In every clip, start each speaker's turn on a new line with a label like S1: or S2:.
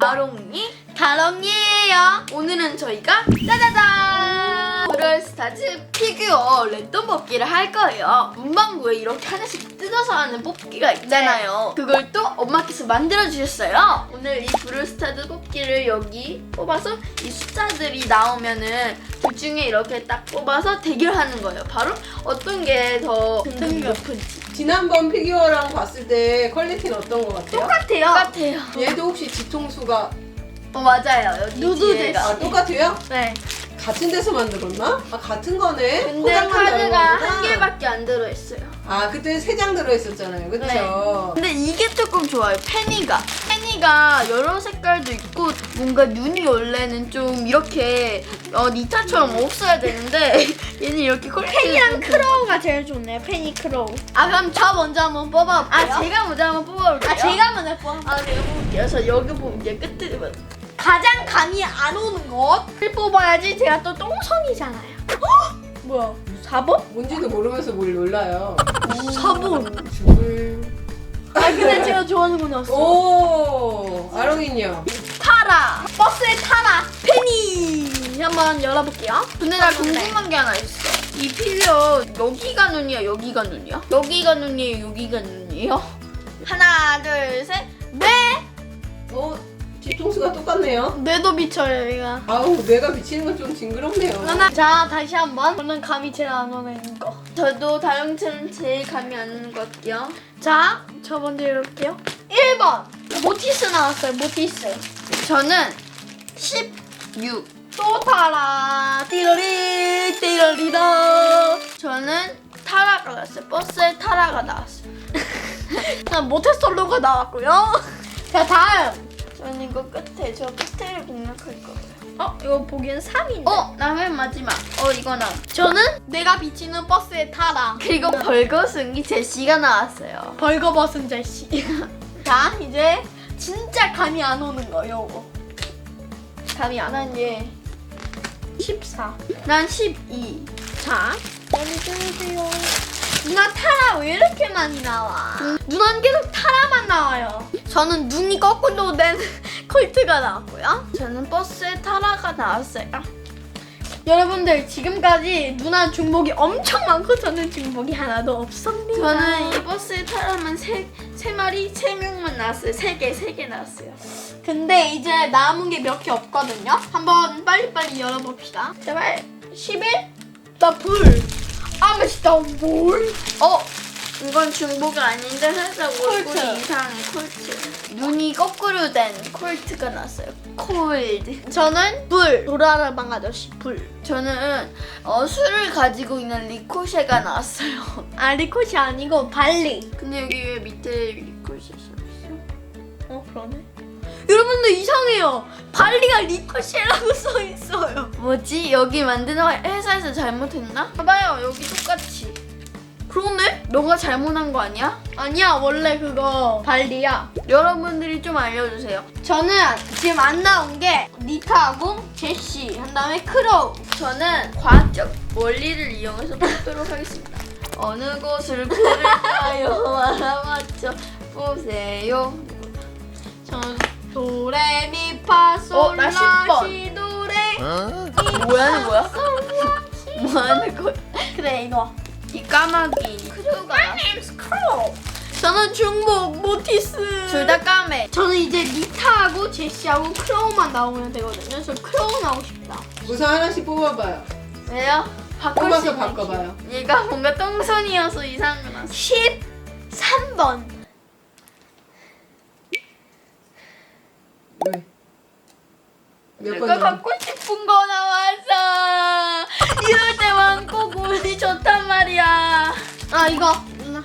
S1: 아롱이 다롱이에요. 오늘은 저희가 짜자잔 브롤스타즈 피규어 랜덤 뽑기를 할 거예요. 문방구에 이렇게 하나씩 뜯어서 하는 뽑기가 있잖아요. 그걸 또 엄마께서 만들어 주셨어요. 오늘 이 브롤스타즈 뽑기를 여기 뽑아서 이 숫자들이 나오면은 그 중에 이렇게 딱 뽑아서 대결하는 거예요. 바로 어떤 게 더 등급이 높은지.
S2: 지난번 피규어랑 봤을 때 퀄리티는 어떤 것 같아요?
S1: 똑같아요.
S2: 얘도 혹시 뒤통수가
S1: 맞아요. 여기
S3: 누드
S1: 뒤에가.
S2: 아, 똑같아요?
S3: 네.
S2: 같은 데서 만들었나? 아, 같은 거네?
S1: 근데
S2: 포장만 다른
S1: 카드가 한
S2: 거구나.
S1: 개밖에 안 들어있어요.
S2: 아, 그때 3장 들어있었잖아요. 그쵸?
S1: 네. 근데 이게 조금 좋아요. 페니가 여러 색깔도 있고 뭔가 눈이 원래는 좀 이렇게 니타처럼 없어야 되는데 얘는 이렇게
S3: 펜이랑 크로우가 제일 좋네요. 펜이 크로우.
S1: 아 그럼 저 먼저 한번 뽑아볼게요. 제가 먼저 한번 뽑아볼게요.
S3: 제가 먼저 뽑아.
S1: 제가 뽑을게요. 저 여기 볼게요. 끝에 봐.
S3: 가장 감이 안 오는 것을 뽑아야지. 제가 또 똥손이잖아요. 뭐야? 4번?
S2: 뭔지도 모르면서 뭘 놀라요.
S3: 4번.
S2: 죽을.
S3: 아 근데 제가 좋아하는 건 없어.
S2: 오, 아롱이요.
S3: 타라. 버스에 타라. 펜이. 한번 열어볼게요.
S1: 근데 나 궁금한 게 하나 있어. 이 피규어 여기가 눈이야, 여기가 눈이야? 여기가 눈이에요, 여기가 눈이에요? 하나, 둘, 셋, 네!
S2: 뒤통수가 똑같네요.
S3: 뇌도 비쳐요 얘가.
S2: 아우, 뇌가 비치는 건 좀 징그럽네요.
S3: 자 다시 한번. 저는 감이 제일 안 오는 거.
S1: 저도 다영처럼 제일 감이 안 오는 것 같아요.
S3: 자, 저 먼저 열어볼게요. 1번. 모티스 나왔어요. 모티스.
S1: 저는 16.
S3: 또 타라. 띠러리 띠러리다.
S1: 저는 타라가 나왔어요. 버스에 타라가 나왔어요.
S3: 난 모태솔로가 나왔고요. 자 다음.
S1: 저는 이거 끝에, 저 끝에를 공략할 거예요.
S3: 이거 보기엔 3인데.
S1: 나 맨 마지막. 이거 나.
S3: 저는 내가 비치는 버스에 타라.
S1: 그리고 벌거숭이 제시가 나왔어요.
S3: 벌거벗은 제시. 자 이제 진짜 감이 안 오는 거 요거. 감이 안 오는 게 14.
S1: 난 12.
S3: 자 빨리 들으세요. 누나 타라 왜 이렇게 많이 나와? 누나는 계속 타라만 나와요. 저는 눈이 거꾸로 된 콜트가 나왔고요.
S1: 저는 버스에 타라가 나왔어요.
S3: 여러분들 지금까지 누나 중복이 엄청 많고 저는 중복이 하나도 없습니다.
S1: 저는 이 버스에 타라만 세 마리, 3명만 나왔어요. 3개 나왔어요.
S3: 근데 이제 남은 게 몇 개 없거든요. 한번 빨리빨리 열어봅시다. 제발 11? 나 불. 아 맛있다. 뭘?
S1: 이건 중복이 아닌데 살짝 얼굴이
S3: 콜트.
S1: 이상해. 콜트. 눈이 거꾸로 된 콜트가 나왔어요. 콜드.
S3: 저는 불. 도라라방 아저씨 불.
S1: 저는 술을 가지고 있는 리코쉐가 나왔어요.
S3: 아 리코시 아니고 발리.
S1: 근데 여기 왜 밑에 리코쉐 써있어?
S3: 그러네. 여러분들 이상해요. 발리가 리코시라고 써 있어요.
S1: 뭐지? 여기 만드는 회사에서 잘못했나? 봐봐요. 여기 똑같이.
S3: 그러네?
S1: 너가 잘못한 거 아니야?
S3: 아니야 원래 그거 발리야.
S1: 여러분들이 좀 알려주세요.
S3: 저는 지금 안 나온 게 니타하고 제시 한 다음에 크로우.
S1: 저는 과학적 원리를 이용해서 뽑도록 하겠습니다. 어느 곳을 고를까요? 알아맞혀 보세요.
S3: 저는 도레미파솔
S1: 나
S3: 라시 도레.
S1: 뭐하는 거야? 뭐하는 거야?
S3: 그래 이거.
S1: 이 까마귀 크루가 나왔어.
S3: 크로우. 저는 중복 모티스.
S1: 둘 다 까매.
S3: 저는 이제 니타하고 제시하고 크로우만 나오면 되거든요. 저 크로우 나오고 싶다.
S2: 우선 하나씩 뽑아봐요.
S1: 왜요? 바꿀 수
S2: 뽑아서
S1: 있는
S2: 바꿔봐요.
S1: 기- 얘가 뭔가 똥손이어서 이상한 거 나왔어.
S3: 13번.
S2: 왜? 몇
S1: 내가
S2: 번?
S1: 갖고 싶은 거 나왔어. 이럴 때만 꼭 운이 좋단 말이야.
S3: 아 이거. 누나.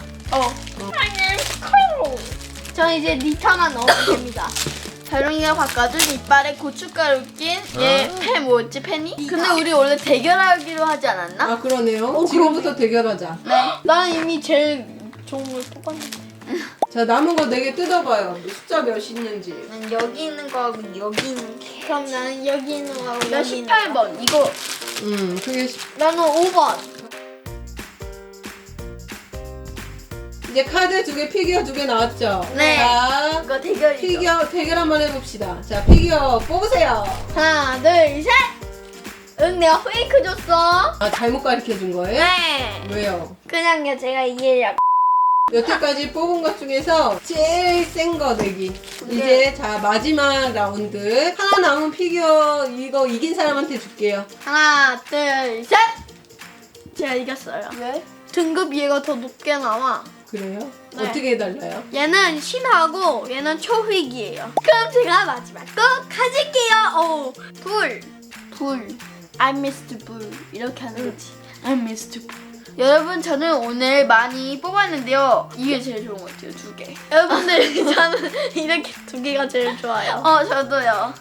S3: 크로우. 저는 이제 니타만 넣으면 됩니다.
S1: 다롱이가 바꿔준 이빨에 고춧가루 낀얘 뭐였지 펜이? 근데 우리 원래 대결하기로 하지 않았나?
S2: 아, 그러네요. 지금부터 대결하자.
S1: 네.
S3: 나는 이미 제일 좋은 걸 뽑았는데.
S2: 자, 남은 거 4개 뜯어봐요. 숫자 몇 있는지.
S1: 난 여기 있는 거하고 여기 있는 게.
S3: 그럼 나는 여기 있는 거하고
S1: 나
S3: 여기 있는 거.
S1: 18번 이거.
S2: 그게
S3: 나는 5번.
S2: 이제 카드 2개, 피규어 2개 나왔죠?
S1: 네.
S2: 자,
S1: 이거 대결이죠.
S2: 피규어 대결 한번 해봅시다. 자, 피규어 뽑으세요.
S3: 하나, 둘, 셋. 응, 내가 페이크 줬어.
S2: 아, 잘못 가르쳐 준 거예요?
S3: 네.
S2: 왜요?
S3: 그냥요, 제가 이해력.
S2: 여태까지 뽑은 것 중에서 제일 센 거 내기. 이제 자, 마지막 라운드. 하나 남은 피규어 이거 이긴 사람한테 줄게요.
S3: 하나, 둘, 셋.
S1: 제가 이겼어요.
S3: 왜? 등급 얘가 더 높게 나와.
S2: 그래요?
S3: 네.
S2: 어떻게 해달라요?
S3: 얘는 신하고 얘는 초휘기예요. 그럼 제가 마지막 거 가질게요. 오, 불.
S1: I missed blue 이렇게 하는 거지. I missed blue. 여러분 저는 오늘 많이 뽑았는데요. 이게 제일 좋은 것 같아요. 2개.
S3: 여러분들 저는 이렇게 2개가 제일 좋아요.
S1: 저도요.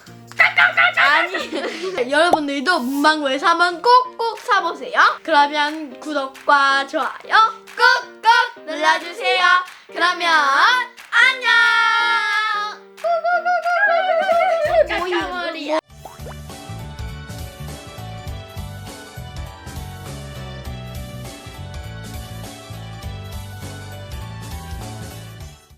S1: 아니.
S3: 여러분들도 문방구에서 한번 꼭꼭 사보세요. 그러면 구독과 좋아요 꾹꾹 눌러주세요. 그러면